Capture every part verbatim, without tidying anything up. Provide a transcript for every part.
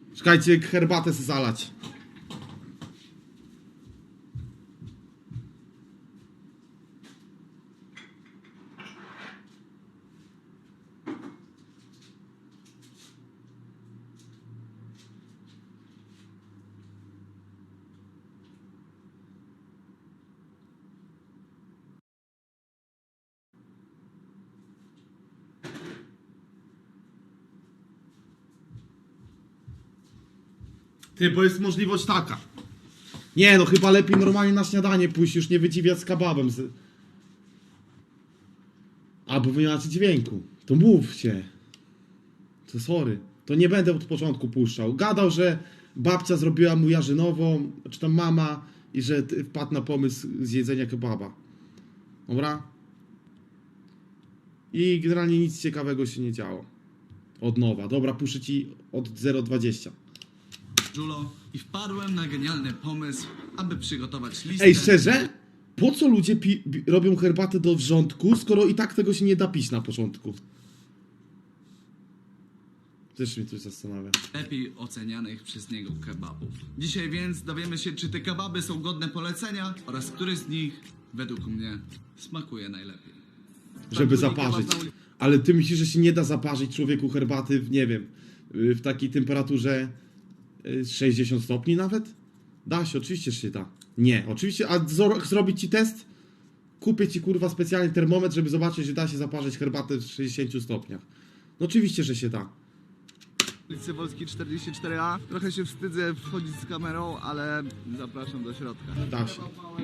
Czekajcie, herbatę se zalać. Ty, bo jest możliwość taka. Nie no, chyba lepiej normalnie na śniadanie pójść, już nie wydziwiać z kebabem. Z... Albo wy nie macie dźwięku. To mówcie. To sorry. To nie będę od początku puszczał. Gadał, że babcia zrobiła mu jarzynową, czy tam mama, i że wpadł na pomysł zjedzenia kebaba. Dobra? I generalnie nic ciekawego się nie działo. Od nowa. Dobra, puszczę ci od zero dwadzieścia. Julo i wpadłem na genialny pomysł, aby przygotować listę... Ej, szczerze? Po co ludzie pi robią herbatę do wrzątku, skoro i tak tego się nie da pić na początku? Też mnie coś zastanawia. lepiej ocenianych przez niego kebabów. Dzisiaj więc dowiemy się, czy te kebaby są godne polecenia oraz który z nich, według mnie, smakuje najlepiej. Żeby zaparzyć. Ale ty myślisz, że się nie da zaparzyć człowieku herbaty w, nie wiem, w takiej temperaturze sześćdziesiąt stopni nawet? Da się, oczywiście, że się da. Nie, oczywiście, a zrobić ci test? Kupię ci kurwa specjalny termometr, żeby zobaczyć, że da się zaparzyć herbatę w sześćdziesięciu stopniach. No oczywiście, że się da. Ulicy Wolskiej czterdzieści cztery A. Trochę się wstydzę wchodzić z kamerą, ale zapraszam do środka. Da się.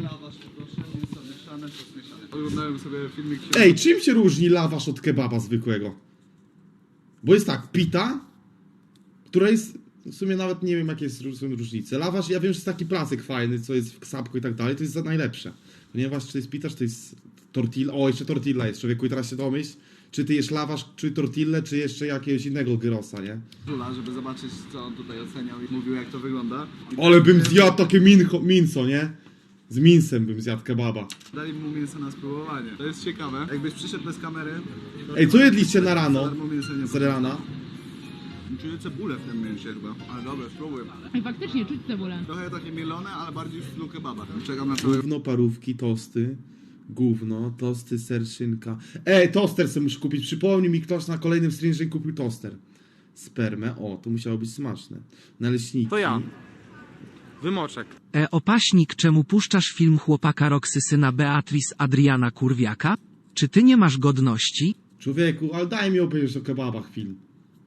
Oglądałem sobie filmik... Ej, czym się różni lawasz od kebaba zwykłego? Bo jest tak, pita, która jest, w sumie nawet nie wiem jakie są różnice. Lawasz, ja wiem, że jest taki placek fajny, co jest w ksapku i tak dalej, to jest za najlepsze. Ponieważ czy to jest pita, czy to jest tortilla, o jeszcze tortilla jest, człowieku, i teraz się domyśl, czy ty jesz lawasz, czy tortillę, czy jeszcze jakiegoś innego gyrosa, nie? Żula, żeby zobaczyć, co on tutaj oceniał i mówił, jak to wygląda. I Ale bym zjadł takie mincho, minco, nie? Z minsem bym zjadł kebaba. Dali mu mięso na spróbowanie. To jest ciekawe. Jakbyś przyszedł bez kamery... to Ej, co jedliście na rano? za darmo mięso nie Z rana? Czuję cebulę w tym mięsie chyba. Ale dobra, spróbuj. I faktycznie czuć cebulę. Trochę takie mielone, ale bardziej w stylu kebaba. Czekam na to. Gówno, parówki, tosty. Gówno, tosty, ser, szynka. Ej, toster sobie muszę kupić. Przypomnij mi, ktoś na kolejnym streamie, że kupił toster. Spermę, o, to musiało być smaczne. Naleśniki. To ja. Wymoczek. E opaśnik, czemu puszczasz film chłopaka Roxy syna Beatrice Adriana Kurwiaka? Czy ty nie masz godności? Człowieku, ale daj mi obejrzeć o kebabach film.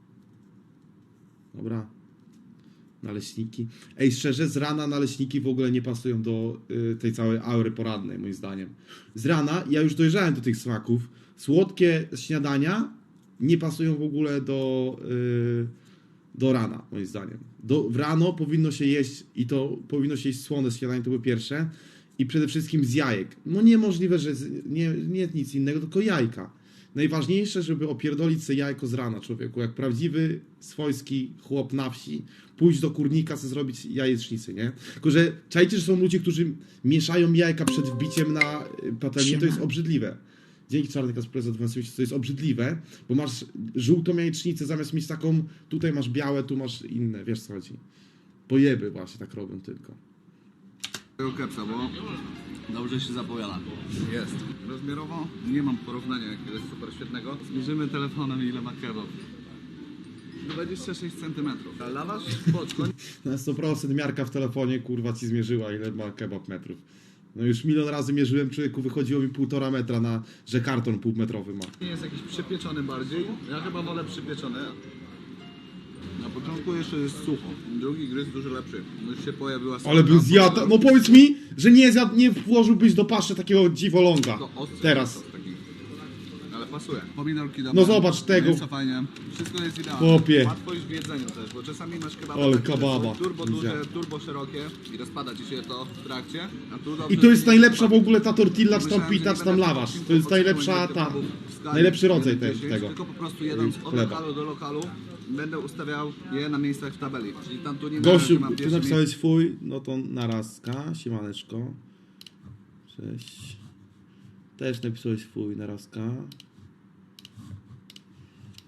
Dobra. Naleśniki. Ej, szczerze, z rana naleśniki w ogóle nie pasują do y, tej całej aury porannej, moim zdaniem. Z rana ja już dojrzałem do tych smaków. Słodkie śniadania nie pasują w ogóle do, y, do rana, moim zdaniem. Do, w rano powinno się jeść, i to powinno się jeść słone śniadanie, to było pierwsze. I przede wszystkim z jajek. No niemożliwe, że z, nie, nie nic innego, tylko jajka. Najważniejsze, żeby opierdolić sobie jajko z rana, człowieku. Jak prawdziwy, swojski chłop na wsi, pójść do kurnika, sobie zrobić jajecznicę, nie? Tylko, że czajcie, że są ludzie, którzy mieszają jajka przed wbiciem na patelnię, to jest obrzydliwe. Dzięki Czarny Kasper za dwanaście miesięcy, to jest obrzydliwe, bo masz żółtą jajecznicę, zamiast mieć taką, tutaj masz białe, tu masz inne, wiesz co chodzi. Pojeby właśnie tak robią tylko. Tego kepsa, bo dobrze się zapowiada. Jest. Rozmiarowo nie mam porównania jakiegoś super świetnego. Zmierzymy telefonem, ile ma kebab. dwadzieścia sześć centymetrów. A lawasz? Spoczko. Na sto procent miarka w telefonie, kurwa, ci zmierzyła, ile ma kebab metrów. No już milion razy mierzyłem, człowieku, wychodziło mi półtora metra na, że karton półmetrowy ma. Nie jest jakiś przypieczony bardziej. Ja chyba wolę przypieczony. Na początku jeszcze jest sucho. Drugi gryz dużo lepszy. Już się pojawiła Ale bym zjadł, no powiedz mi, że nie zjadł, nie włożyłbyś do paszy takiego dziwoląga. To ostry Teraz. sos taki. Ale pasuje. Pomidorki dobre. No zobacz tego. Mięso fajnie. Wszystko jest idealne. Chłopie. Łatwość w jedzeniu też, bo czasami masz kebaba, Ale takie, że kebaba. są turbo duże, Widziałem. turbo szerokie i rozpada ci się to w trakcie. A tu I dobrze to jest się najlepsza w rozpada. ogóle ta tortilla, czy tam Myślałem, że pita, nie czy tam będę lawasz. odcinku To jest podsumuję najlepsza tych ta, kebabów w skali najlepszy rodzaj jeden te, dziesięć, tego. Tylko po prostu jedąc od chleba. lokalu do lokalu będę ustawiał je na miejscach w tabeli. Czyli tam tu nie Gościu, że mam ty pierwsze napisałeś fuj, no to narazka, siemaneczko. Cześć. Też napisałeś fuj, narazka.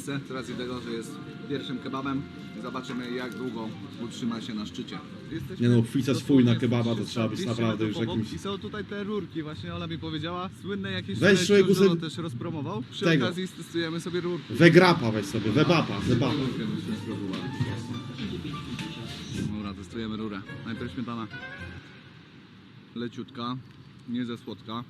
miejsce z racji tego, że jest pierwszym kebabem. Zobaczymy, jak długo utrzyma się na szczycie. Jesteśmy Nie no, chwycać fuj na dosłownie kebaba to trzysta trzeba być dwieście naprawdę metrów już obok. jakimś... I są tutaj te rurki, właśnie Ola mi powiedziała. Słynne jakieś Weź szaleństwo, człowieku że on sobie- też rozpromował. Przy tego. okazji testujemy sobie rurki. Wegrapa weź sobie, webapa, webapa. Dobra, testujemy rurę. Najpierw śmietana. Leciutka, nie za słodka.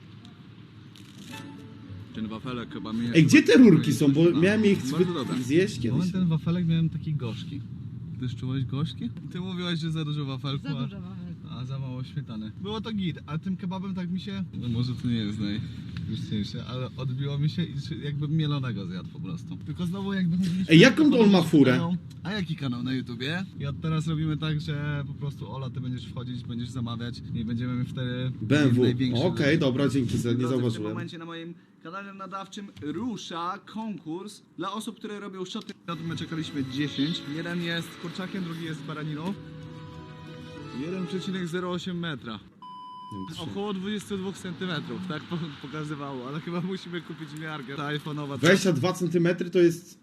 Ten wafelek chyba mi... Ej, gdzie te rurki są? Bo No, miałem ich bardzo dobre. zjeść kiedyś. Moment, ten wafelek miałem taki gorzki. Ty też czułeś gorzki? Ty mówiłaś, że za dużo wafelku, Za a, dużo mamy. a za mało śmietany. Było to git, a tym kebabem tak mi się... No może to nie jest najwyższe, ale odbiło mi się i czy- jakbym mielonego zjadł po prostu. Tylko znowu jakby chodziliśmy... Ej, jaką to on ma chodziliśmy furę? kanał- A jaki kanał na YouTubie? I od teraz robimy tak, że po prostu Ola, ty będziesz wchodzić, będziesz zamawiać i będziemy wtedy... B M W. największy Okej, rzeczy. dobra, dzięki, za- nie Drodzy, W tym zauważyłem. momencie na moim kanale nadawczym rusza konkurs dla osób, które robią shoty. My czekaliśmy dziesięć. Jeden jest kurczakiem, drugi jest baraniną. jeden przecinek zero osiem metra. Nie wiem, trzy. Około dwadzieścia dwa centymetrów, tak po- pokazywało, ale chyba musimy kupić miarkę. Ta iPhone'owa. dwadzieścia dwa centymetry to jest...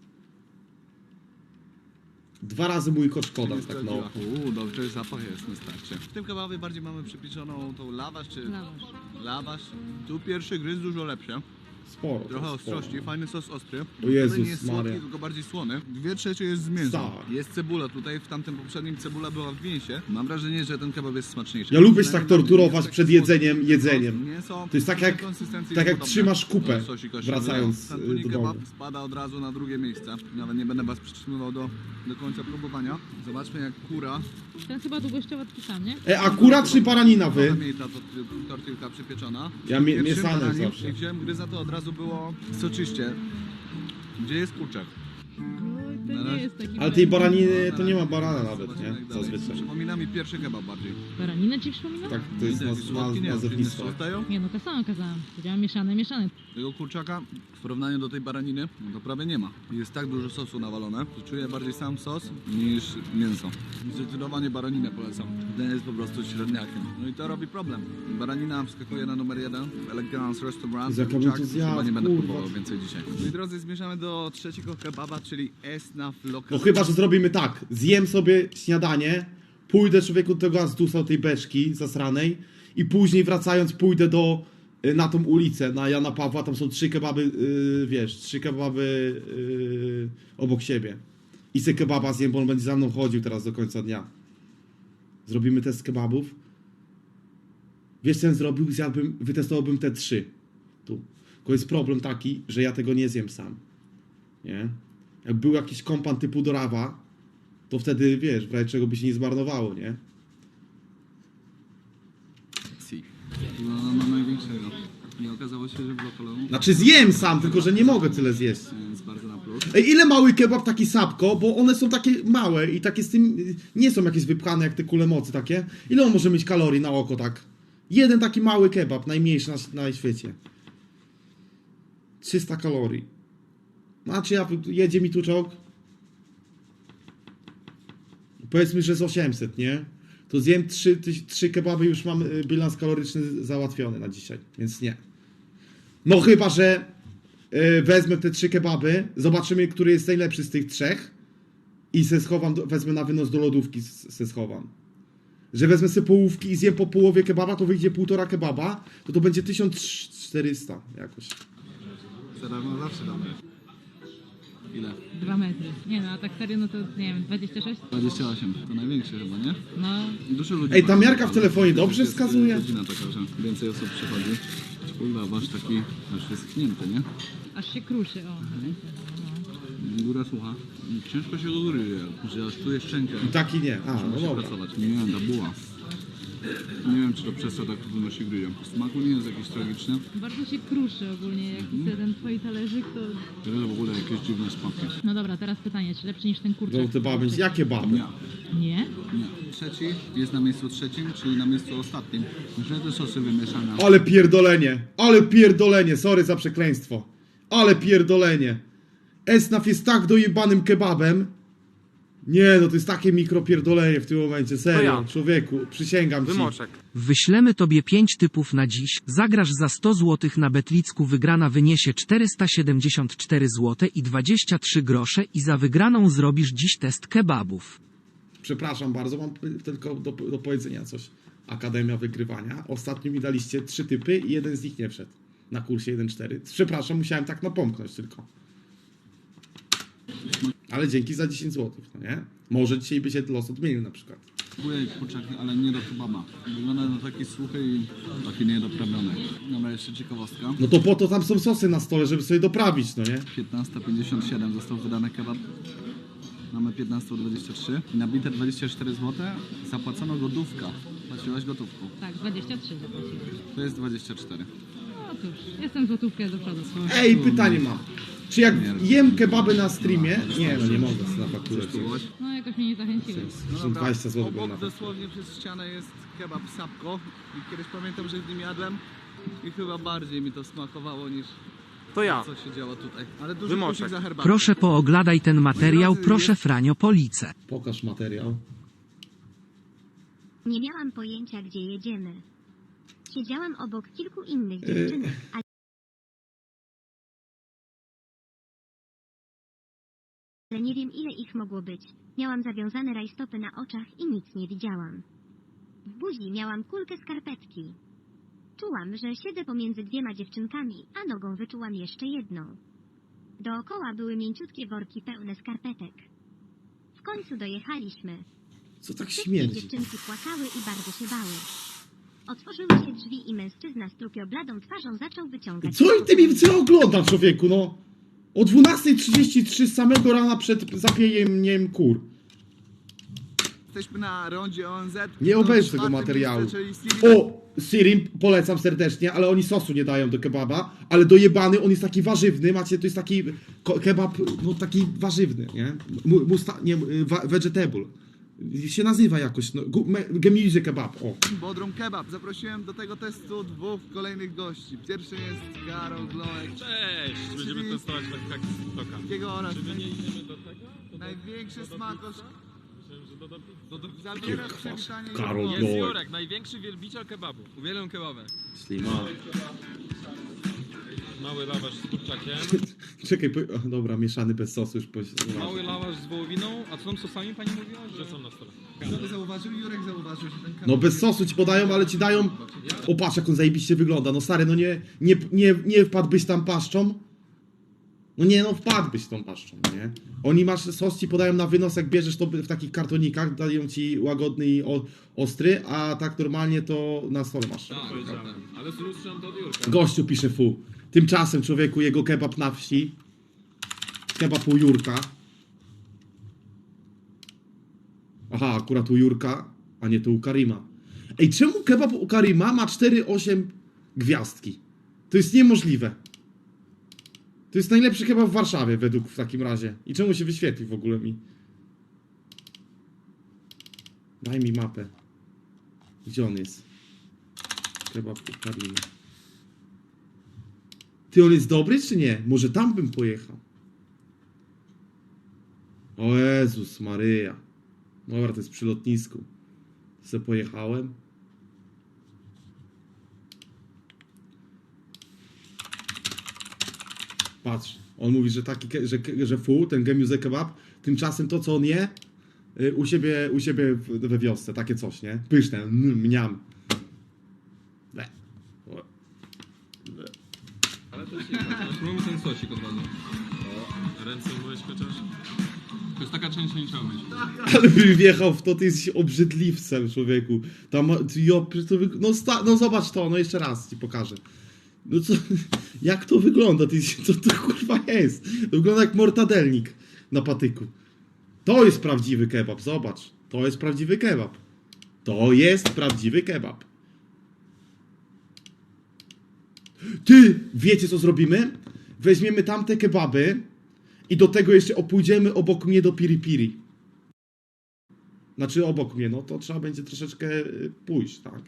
Dwa razy mój kot Szkoda, Jest tak to no. dziura. Uuu, dobrze, zapach jest na starcie. W tym kebabie bardziej mamy przypieczoną tą lawasz, czy... Lawasz. Lawasz. Tu pierwszy gryz dużo lepszy. Sporo. Trochę sporo. ostrości, fajny sos ostry. O Jezus Wcale nie jest słodki, Maria. tylko bardziej słony. Dwie trzecie jest z mięsem. Tak. Jest cebula tutaj, w tamtym poprzednim cebula była w mięsie. Mam wrażenie, że ten kebab jest smaczniejszy. Ja lubię się Przynajmniej tak dla mnie torturować jest taki przed słodki jedzeniem, sos, jedzeniem. Mięso To jest tak jak- konsystencji tak jak podobne trzymasz kupę, do sosika wracając, siedmiowego. y, Tantuni do kebab domu. spada od razu na drugie miejsce. Nawet nie będę was przytrzymywał do, do końca próbowania. Zobaczmy jak kura. Ten chyba długościowo taki sam, nie? E, a kura czy baranina wy? Trochę mniej ta to- tortilka przypieczona. Ja mie- Pierwszym mieszane baraniem, zawsze. Jak wziąłem gryza, to od razu było soczyście. Gdzie jest kurczak? Oj, to Na nie razie- jest taki Ale tej fajny. baraniny to nie ma barana nawet, Zobaczymy, nie? jak dalej. Zazwyczaj. Przypomina mi pierwszy kebab bardziej. Baraninę ci przypomina? Tak, to jest Widzę, naz- jakiś słodki, naz- nie, nazewnictwo. inny sos dają. Nie no, to samo kazałam. Powiedziałam mieszane, mieszane. Tego kurczaka w porównaniu do tej baraniny, no to prawie nie ma. Jest tak dużo sosu nawalone, że czuję bardziej sam sos niż mięso. Zdecydowanie baraninę polecam. Ten jest po prostu średniakiem. No i to robi problem. Baranina wskakuje na numer jeden w Elegance Restaurant. Jak ja bym Kurczak to zjadł, chyba nie będę kurwa. próbował więcej dzisiaj. Moi drodzy, zmierzamy do trzeciego kebaba, czyli Esnaf No Local. chyba, że zrobimy tak. Zjem sobie śniadanie, pójdę człowieku do tego Azdusa, tej beczki zasranej i później wracając pójdę do y, na tą ulicę, na Jana Pawła, tam są trzy kebaby, y, wiesz, trzy kebaby y, obok siebie. I se kebaba zjem, bo on będzie za mną chodził teraz do końca dnia. Zrobimy test kebabów. Wiesz co bym zrobił? Zjadłbym, wytestowałbym te trzy. Tu. Tylko jest problem taki, że ja tego nie zjem sam. Nie? Jak był jakiś kompan typu Dorawa, to wtedy, wiesz, w razie czego by się nie zmarnowało, nie? Si. No, no największego. Nie okazało się, że w lokalu Znaczy zjem sam, tylko że nie mogę tyle zjeść. jest bardzo na plus. Ej, ile mały kebab taki sapko, bo one są takie małe i takie z tym, nie są jakieś wypchane jak te kule mocy takie. Ile on może mieć kalorii na oko tak? Jeden taki mały kebab, najmniejszy na, na świecie. trzysta kalorii. Znaczy ja, jedzie mi tu czołg. Powiedzmy, że z osiemset, nie? To zjem trzy, trzy kebaby i już mam y, bilans kaloryczny załatwiony na dzisiaj, więc nie. No chyba, że y, wezmę te trzy kebaby, zobaczymy, który jest najlepszy z tych trzech i se schowam, do, wezmę na wynos do lodówki, s- se schowam. Że wezmę sobie połówki i zjem po połowie kebaba, to wyjdzie półtora kebaba, to to będzie tysiąc czterysta jakoś. Zarówno zawsze dobre. Ile? Dwa metry. Nie no, a tak serio, no to nie wiem, dwadzieścia sześć? dwadzieścia osiem. To największy chyba, nie? No, Dużo ludzi. Ej, ta ma- miarka w telefonie dobrze jest wskazuje? godzina taka, że więcej osób przychodzi. Kurwa, wasz taki aż wyschnięty, nie? aż się kruszy, o. Góra słucha. Ciężko się do góry je, że aż czuje szczękę. I taki nie. A, no Musi dobra. pracować. Nie wiem, ta buła. Nie wiem, czy to przez to tak trudno się gryje. Smaku nie jest jakiś tragiczny. Bardzo się kruszy ogólnie, jak jest ten twoi talerzyk, to... To jest w ogóle jakieś dziwne smaki. No dobra, teraz pytanie, czy lepszy niż ten kurczak? Żółte baby. Jakie baby? Nie. Nie? Nie. Trzeci jest na miejscu trzecim, czyli na miejscu ostatnim. Myślę, że te sosy wymieszane. Ale pierdolenie, ale pierdolenie, sorry za przekleństwo. Ale pierdolenie. Esnaf jest tak dojebanym kebabem, Nie, no to jest takie mikropierdolenie w tym momencie, serio, ja. człowieku, przysięgam ci. Wymoczek. Wyślemy tobie pięć typów na dziś, zagrasz za sto złotych na Betlicku, wygrana wyniesie czterysta siedemdziesiąt cztery złote i dwadzieścia trzy grosze i za wygraną zrobisz dziś test kebabów. Przepraszam bardzo, mam tylko do, do powiedzenia coś. Akademia Wygrywania. Ostatnio mi daliście trzy typy i jeden z nich nie wszedł. Na kursie jeden cztery. Przepraszam, musiałem tak napomknąć tylko. Ale dzięki za dziesięć złotych, no nie? Może dzisiaj by się los odmienił na przykład. Próbuję kurczak, ale nie do kebaba. Wygląda na taki suchy i taki niedoprawiony. Dobra, jeszcze ciekawostka. No to po to tam są sosy na stole, żeby sobie doprawić, no nie? piętnasta pięćdziesiąt siedem został wydany kebab. Mamy piętnaście dwadzieścia trzy. I na bite dwadzieścia cztery złote zapłacono gotówka. Płaciłaś gotówką. Tak, dwadzieścia trzy zapłaciłem. To jest dwadzieścia cztery. No cóż, jestem złotówkę do przodu. Ej, pytanie mam. Czy jak jem kebaby na streamie... Nie, no nie mogę na fakturę. Spróbować? No jakoś mnie nie zachęciłeś. Są dwadzieścia złotych było na Obok fakturę. dosłownie przez ścianę jest kebab Sapko. I kiedyś pamiętam, że w nim jadłem. I chyba bardziej mi to smakowało niż To ja. co się działo tutaj. Ale duży Wymoczek. plusik za herbatę. Proszę pooglądaj ten materiał, drodzy, proszę jest- Franio Police. Pokaż materiał. Nie miałam pojęcia, gdzie jedziemy. Siedziałam obok kilku innych dziewczynek, ale nie wiem, ile ich mogło być. Miałam zawiązane rajstopy na oczach i nic nie widziałam. W buzi miałam kulkę skarpetki. Czułam, że siedzę pomiędzy dwiema dziewczynkami, a nogą wyczułam jeszcze jedną. Dookoła były mięciutkie worki pełne skarpetek. W końcu dojechaliśmy. Co tak Wszystkie śmierdzi? dziewczynki płakały i bardzo się bały. Otworzyły się drzwi i mężczyzna z trupiobladą twarzą zaczął wyciągać... Co ty mi co ogląda, człowieku, no? O dwunasta trzydzieści trzy z samego rana przed zapijeniem kur. Jesteśmy na rondzie O N Z. Nie obejrz To tego czwarty materiału. miejsce, czyli Siri- O! Sirim polecam serdecznie, ale oni sosu nie dają do kebaba, ale dojebany, on jest taki warzywny, macie, to jest taki ko- kebab, no taki warzywny, nie? Mu- Musta, nie, wa- vegetable. Się nazywa jakoś, no, gu- me- gemizy kebab, o. Bodrum Kebab. Zaprosiłem do tego testu dwóch kolejnych gości. Pierwszy jest Karol Gloek. Cześć! Będziemy Czyli- testować tak z TikToka. Takiego oraz Czy my nie idziemy do tego? To największy do, do smakosz. Myślałem, że do, do, do, do, Zabiera kwas. przywitanie Karol Jurka. Jest Gloek. Jurek, największy wielbiciel kebabu. Uwielbiam kebaby. Slima. Mały lawasz z kurczakiem, Czekaj, po, o, dobra, mieszany bez sosu już po, mały lawasz z wołowiną, a co tam sosami pani mówiła? Że są na stole. Kto by zauważył? Jurek zauważył, że ten kebab... No bez sosu ci podają, ale ci dają... O patrz jak on zajebiście wygląda, no stary, no nie, nie, nie, nie wpadłbyś tam paszczą? No nie, no wpadłbyś tą paszczą, nie? Oni masz, sos ci podają na wynos, jak bierzesz to w takich kartonikach, dają ci łagodny i o, ostry, a tak normalnie to na stole masz. Ale zlustrzam to od Jurka. Gościu pisze fu. Tymczasem człowieku jego kebab na wsi. Kebab u Jurka. Aha, akurat u Jurka, a nie to u Karima. Ej, czemu kebab u Karima ma cztery osiem gwiazdki? To jest niemożliwe. To jest najlepszy kebab w Warszawie według w takim razie. I czemu się wyświetli w ogóle mi? Daj mi mapę. Gdzie on jest? Kebab u Karima. Ty, on jest dobry czy nie? Może tam bym pojechał. O Jezus Maryja. Dobra, to jest przy lotnisku. Se pojechałem. Patrz, on mówi, że taki, ke- że, ke- że fu, ten gemiuze kebab, tymczasem to, co on je, y, u siebie, u siebie w- we wiosce, takie coś, nie? Pyszne, mm, mniam. Le. O. Ale to się spróbujmy ten sosik od razu. Ręce umyłeś chociaż? To jest taka część, że nie trzeba myć. Ale bym wjechał w to, ty jesteś obrzydliwcem, człowieku. Tam, jo, przecież to wyg- no, sta- no zobacz to, no jeszcze raz ci pokażę. No co, jak to wygląda? Ty, co to kurwa jest? To wygląda jak mortadelnik na patyku. To jest prawdziwy kebab, zobacz. To jest prawdziwy kebab. To jest prawdziwy kebab. Ty, wiecie co zrobimy? Weźmiemy tamte kebaby i do tego jeszcze opójdziemy obok mnie do Piri Piri. Znaczy obok mnie, no to trzeba będzie troszeczkę y, pójść, tak?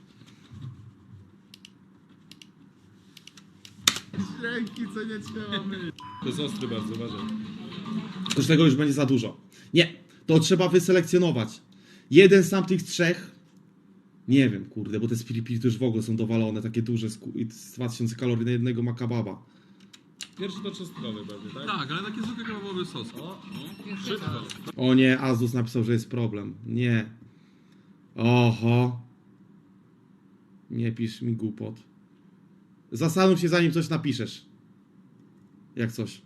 Ręki, co nie trzeba myć. To jest ostry bardzo, uważaj. To z tego już będzie za dużo. Nie, to trzeba wyselekcjonować. Jeden z tamtych trzech, nie wiem, kurde, bo te z Filipin to już w ogóle są dowalone, takie duże, sku- i z dwa tysiące kalorii na jednego makababa. Pierwszy to czosnkowy pewnie, tak? Tak, ale taki zwykły kebabowy sos. O, Szybko. O nie, Azus napisał, że jest problem. Nie. Oho. Nie pisz mi głupot. Zastanów się, zanim coś napiszesz. Jak coś.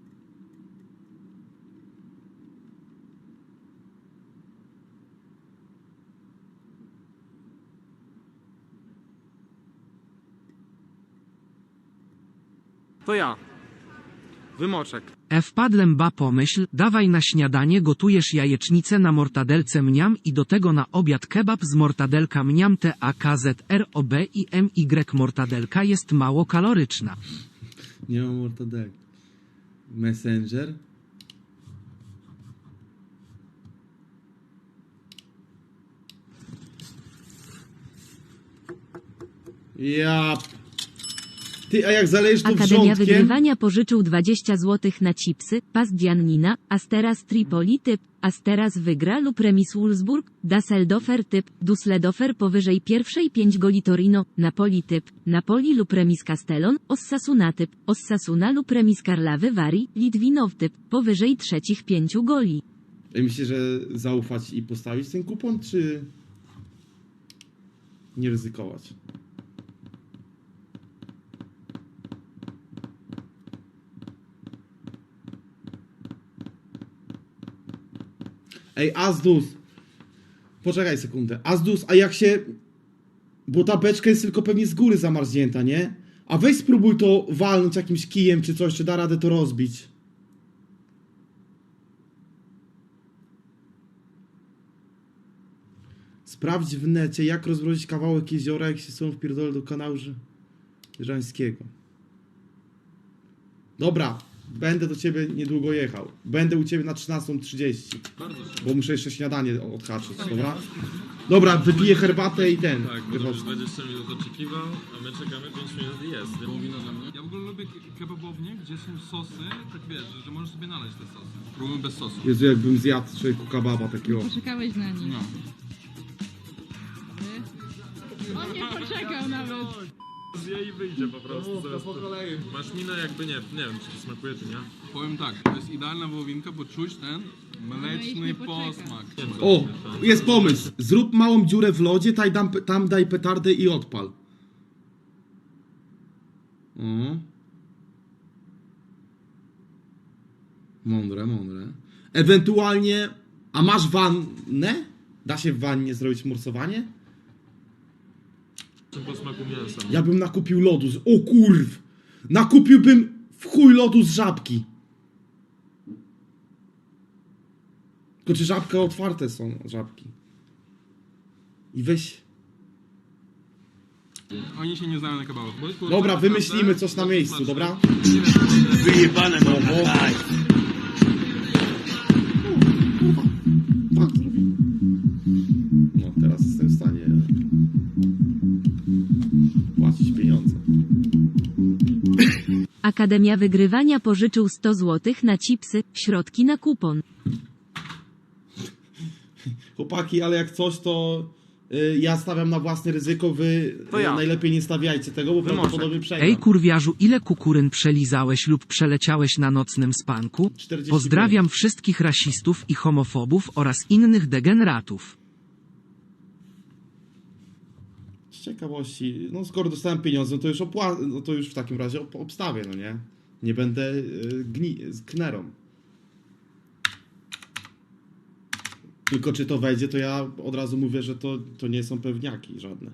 To ja. Wymoczek. E wpadłem ba pomyśl, dawaj na śniadanie gotujesz jajecznicę na mortadelce mniam i do tego na obiad kebab z mortadelka mniam T A K Z R O B i M Y mortadelka jest mało kaloryczna. Nie mam mortadek. Messenger. Ja. Ty, a jak zalejesz to Akademia wrzątkiem... Wygrywania pożyczył dwadzieścia złotych na chipsy, pas Giannina, Asteras Tripoli typ, Asteras wygra lub remis Wolfsburg, Dasseldofer typ, Dusseldorfer powyżej pierwszej pięć goli Torino, Napoli typ, Napoli lub remis Castellon, Ossasuna typ, Ossasuna lub remis Karlawy Wari, Litwinow typ, powyżej trzecich pięciu goli. Ja myślę, że zaufać i postawić ten kupon, czy nie ryzykować? Ej, Azdus! Poczekaj sekundę. Azdus, a jak się... Bo ta beczka jest tylko pewnie z góry zamarznięta, nie? A weź spróbuj to walnąć jakimś kijem czy coś, czy da radę to rozbić. Sprawdź w necie, jak rozmrozić kawałek jeziora, jak się są wpierdolę do kanału Żańskiego. Dobra, będę do ciebie niedługo jechał. Będę u ciebie na trzynastą trzydzieści. Bo muszę jeszcze śniadanie odhaczyć, dobra? Dobra, wypiję herbatę i ten. Tak, wychodzę. możesz dwadzieścia minut oczekiwał, a my czekamy pięć minut i jest. Ja w ogóle lubię ke- kebabownie, gdzie są sosy, tak wiesz, że możesz sobie nalać te sosy. Próbujmy bez sosu. Jezu, jakbym zjadł człowieku kebaba takiego. Poczekałeś na nim. No. On nie poczekał nawet. Zje i wyjdzie po prostu. Zaraz po kolei. Masz minę jakby nie, nie wiem czy to smakuje czy nie. Powiem tak, to jest idealna wołowinka, bo czuć ten mleczny nie poczeka. posmak. O, jest pomysł. Zrób małą dziurę w lodzie, taj dam, tam daj petardę i odpal. O. Mądre, mądre. Ewentualnie... A masz wannę? Da się w wannie zrobić morsowanie? Czym po smaku mięsa. Ja bym nakupił lodu z... O kurw! Nakupiłbym w chuj lodu z żabki. Tylko czy żabka otwarte są, żabki? I weź... Oni się nie znają na kebabach. Dobra, wymyślimy coś na miejscu, dobra? Wyjebane mam. Daj. Tak, zrobimy. No, teraz jestem w stanie płacić pieniądze. Akademia Wygrywania pożyczył sto złotych na chipsy, środki na kupon. Chłopaki, ale jak coś, to y, ja stawiam na własne ryzyko, wy To y, ja. najlepiej nie stawiajcie tego, bo Wymoczek. prawdopodobnie przegram. Ej kurwiarzu, ile kukuryn przelizałeś lub przeleciałeś na nocnym spanku? czterdzieści Pozdrawiam wszystkich rasistów i homofobów oraz innych degeneratów. Z ciekawości, no skoro dostałem pieniądze, no to już opła- no to już w takim razie ob- obstawię, no nie? Nie będę y, gni- z knerą. Tylko czy to wejdzie, to ja od razu mówię, że to, to nie są pewniaki żadne.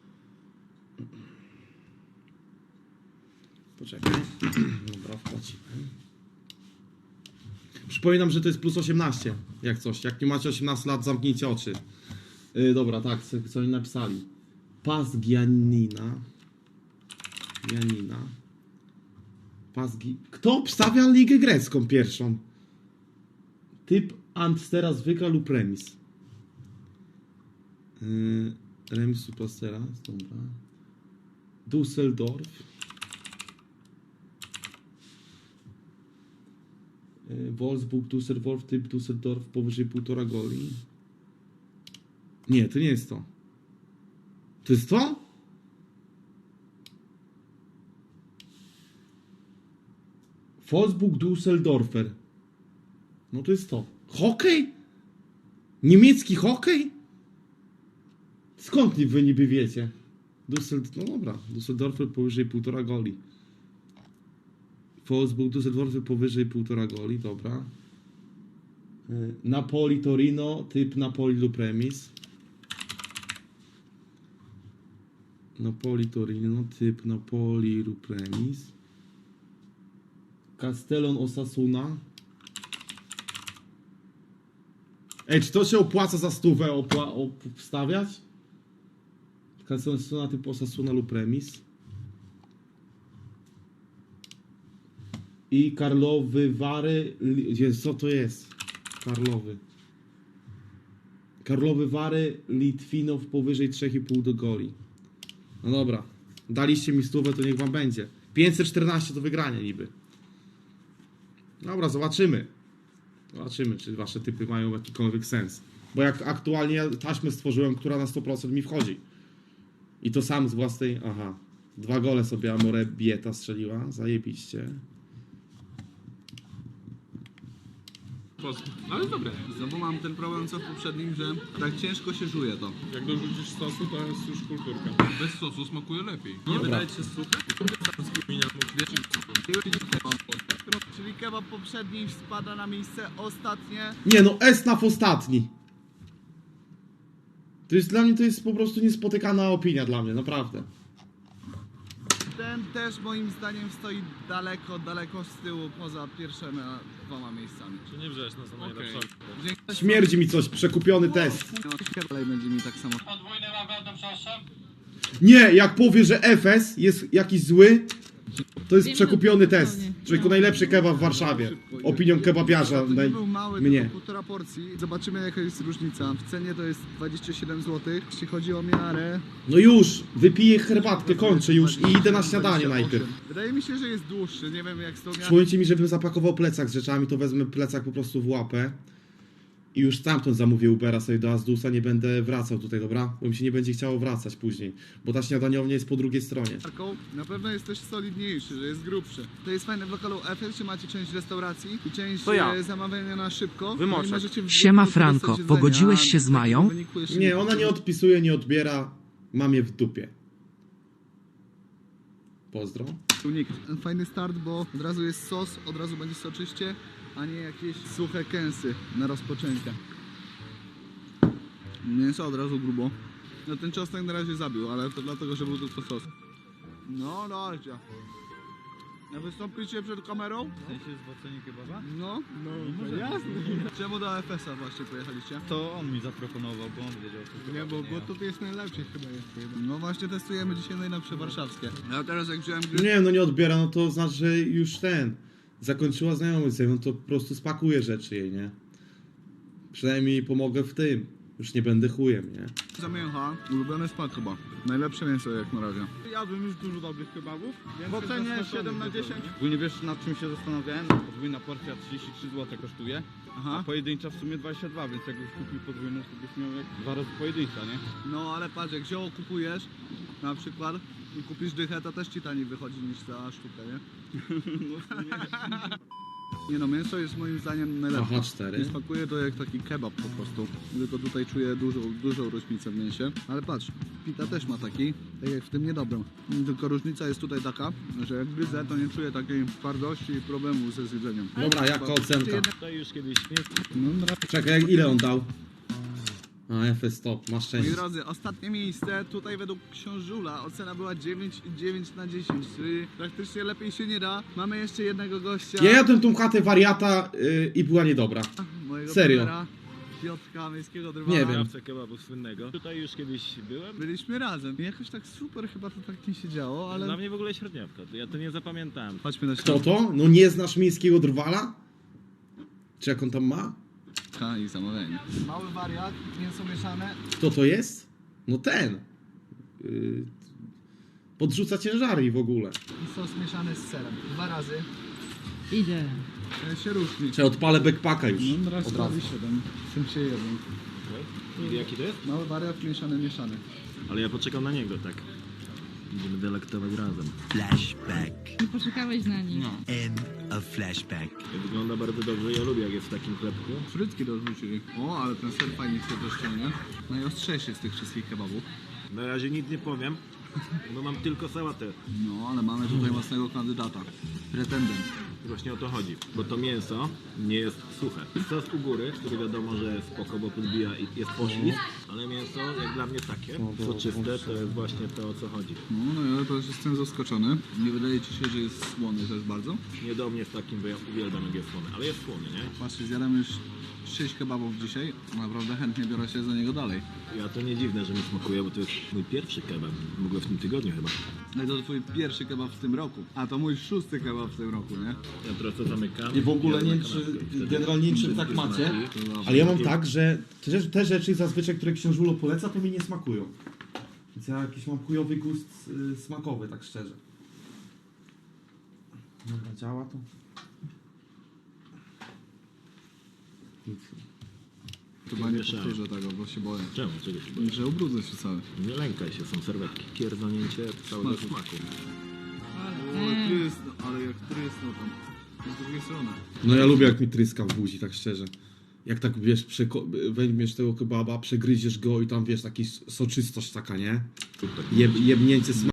Poczekaj. Dobra, wpłacimy. Przypominam, że to jest plus osiemnaście, jak coś. Jak nie macie osiemnastu lat, zamknijcie oczy. Yy, dobra, tak, co, co oni napisali. Pas Giannina. Giannina. Pas Gi... Kto obstawia ligę grecką pierwszą? Typ Antstera zwykła lub remis. Yy, remis lub Antstera, dobra. Düsseldorf. Yy, Wolfsburg, Düsseldorf, typ Düsseldorf powyżej półtora goli. Nie, to nie jest to. To jest to? Wolfsburg, Düsseldorfer. No to jest to. Hokej? Niemiecki hokej? Skąd wy niby wiecie? Düsseldorf, no dobra, Düsseldorfer powyżej półtora goli. Wolfsburg, Düsseldorfer powyżej półtora goli, dobra. Yy, Napoli, Torino, typ Napoli lub remis. Napoli, Torino, typ Napoli lub remis. Castellon, Osasuna. Ej, czy to się opłaca za stówę opła obstawiać? Castellon, Osasuna, typ Osasuna lub remis. I Karlowy Wary. Jezu, co to jest? Karlowy. Karlowy Wary, Litwinow powyżej trzy i pół do goli. No dobra. Daliście mi stówę, to niech wam będzie. pięćset czternaście to wygranie niby. Dobra, zobaczymy. Zobaczymy, czy wasze typy mają jakikolwiek sens. Bo jak aktualnie taśmę stworzyłem, która na sto procent mi wchodzi. I to sam z własnej... Aha. Dwa gole sobie Amore Bieta strzeliła. Zajebiście. Ale dobre. Znowu mam ten problem co w poprzednim, że tak ciężko się żuje to. Jak dorzucisz sosu, to jest już kulturka. Bez sosu smakuje lepiej. Nie wydaje ci się suche? Czyli kebab poprzedni spada na miejsce ostatnie. Nie no, Esnaf ostatni. To jest dla mnie, to jest po prostu niespotykana opinia dla mnie, naprawdę. Ten też moim zdaniem stoi daleko, daleko z tyłu poza pierwszymi dwoma miejscami. Czy nie wrzesz na za najlepszą? Dzięki. Śmierdzi mi coś, przekupiony test. Dalej będzie mi tak samo. Podwójny nawrot, proszę. Nie, jak powie, że Efes jest jakiś zły, to jest Wiem, przekupiony no, test. zupełnie. Człowieku, najlepszy kebab w Warszawie. Opinią kebabiarza. To nie Naj... był mały, mnie. tylko półtora porcji. Zobaczymy jaka jest różnica. W cenie to jest dwadzieścia siedem złotych. Jeśli chodzi o miarę... No już, wypiję herbatkę, kończę już i idę na śniadanie najpierw. Wydaje mi się, że jest dłuższy. Nie wiem jak z tą miarą... Przypomnijcie mi, żebym zapakował plecak z rzeczami, to wezmę plecak po prostu w łapę. I już stamtąd zamówię Ubera sobie do Azdusa, nie będę wracał tutaj, dobra? Bo mi się nie będzie chciało wracać później. Bo ta śniadaniownia jest po drugiej stronie. Na pewno jest też solidniejszy, że jest grubszy. To jest fajne w lokalu Efes, że macie część restauracji i część To ja. e, zamawiania na szybko. Wymoczek. No i możecie w Siema, wyniku Franco, korzystać z pogodziłeś jedzenia, się z a Mają? w wyniku jeszcze Nie, ona nie odpisuje, nie odbiera. Mam je w dupie. Pozdro. Unik. Fajny start, bo od razu jest sos, od razu będzie soczyście, a nie jakieś suche kęsy na rozpoczęcie. Mięso od razu grubo. No ten czosnek na razie zabił, ale to dlatego, że był tylko sos. No, dajcie. A wystąpicie przed kamerą? W sensie zwrócenie kebaba? No, no, no jasne. Czemu do F S a właśnie pojechaliście? To on mi zaproponował, bo on wiedział co to Nie, bo, bo tutaj jest najlepsze chyba jest. No właśnie testujemy dzisiaj najlepsze warszawskie. A teraz jak wziąłem gry... Nie, no nie odbiera, no to znaczy, że już ten. Zakończyła znajomość ze mną, to po prostu spakuję rzeczy jej, nie? Przynajmniej pomogę w tym. Już nie będę chujem, nie? Za mięcha, ulubiony smak chyba. Najlepsze mięso jak na razie. Jadłem już dużo dobrych kebabów. W ocenie siedem na dziesięć. Ogólnie wiesz nad czym się zastanawiałem? Podwójna porcja trzydzieści trzy złote kosztuje, Aha. a pojedyncza w sumie dwadzieścia dwa, więc jakbyś kupił podwójną, to byś miał jak dwa razy pojedyncza, nie? No ale patrz, jak zioło kupujesz, na przykład, i kupisz dychę, to też ci taniej wychodzi niż ta sztuka, nie? Nie no, mięso jest moim zdaniem najlepsze. Aha, cztery. I smakuje to jak taki kebab po prostu. Tylko tutaj czuję dużą, dużą różnicę w mięsie. Ale patrz, pita też ma taki, tak jak w tym niedobrym. Tylko różnica jest tutaj taka, że jak gryzę, to nie czuję takiej twardości i problemu ze zjedzeniem. Dobra, jaka ocenka? To już kiedyś No, Czekaj, jak, ile on dał? A, F S stop, masz moi szczęście. drodzy, ostatnie miejsce, tutaj według książula ocena była dziewięć i dziewięć na dziesięć, czyli praktycznie lepiej się nie da. Mamy jeszcze jednego gościa. Ja jadłem tą chatę wariata yy, i była niedobra. Mojego Serio. trenera, Piotrka, miejskiego drwala. Nie wiem. kebabu słynnego. Tutaj już kiedyś byłem. Byliśmy razem. I jakoś tak super chyba to tak nie się działo, ale... Dla mnie w ogóle średniawka, ja to nie zapamiętałem. Chodźmy na Kto to? No nie znasz miejskiego drwala? Czy jak on tam ma? środka i zamawianie. Mały wariat, mięso mieszane. Kto to jest? No ten. Yy, podrzuca ciężary w ogóle. I sos mieszany z serem. Dwa razy. Idzie. Ja się różni. Czy odpalę backpacka już? No raz Od razu. siedem, tym się jeden. Jaki to jest? Mały wariat mieszany, mieszany. Ale ja poczekam na niego, tak. Będziemy delektować razem. Flashback. Nie poczekałeś na nich. No. End of flashback. Wygląda bardzo dobrze, ja lubię jak jest w takim chlebku. Frytki dorzucili. O, ale ten ser fajnie się to ściągnie. Najostrzejszy z tych wszystkich kebabów. Na razie nic nie powiem, bo mam tylko sałatę. No, ale mamy tutaj mocnego kandydata. Pretendent. Właśnie o to chodzi, bo to mięso nie jest suche. Sos u góry, który wiadomo, że jest spoko, bo podbija i jest poślizg, ale mięso jak dla mnie takie, soczyste, to jest właśnie to, o co chodzi. No, no ja też jestem zaskoczony. Nie wydaje ci się, że jest słony też bardzo? Nie do mnie w takim, bo ja uwielbiam jak jest słony, ale jest słony, nie? Patrzcie, zjadłem już sześć kebabów dzisiaj. Naprawdę chętnie biorę się za niego dalej. Ja to nie dziwne, że mi smakuje, bo to jest mój pierwszy kebab, w ogóle w tym tygodniu chyba. No i to twój pierwszy kebab w tym roku. A to mój szósty kebab w tym roku, nie? Ja trochę zamykam. I w ogóle nie wiem, jadę na czy kanapkę. Wtedy generalnie nie wiem, czy wszystkie tak macie, smaki. ale ja mam tak, że te, rzeczy- te rzeczy zazwyczaj, które książulo poleca, to mi nie smakują. Więc ja jakiś mam chujowy gust y, smakowy, tak szczerze. Dobra, działa to? Nic. Chyba nie Mieszałem. powtórzę tego, bo się boję. Czemu? Czego się boisz? Że ubrudzę się cały. Nie lękaj się, są serwetki. Pierdolnięcie całego Smaku. smaku. O, trysno, ale jak trysno tam. Z drugiej strony. No ja lubię jak mi tryska w buzi, tak szczerze. Jak tak, wiesz, przeko- weźmiesz tego kebaba, przegryziesz go i tam, wiesz, taki soczystość taka, nie? Jeb, jebnięcie smaku.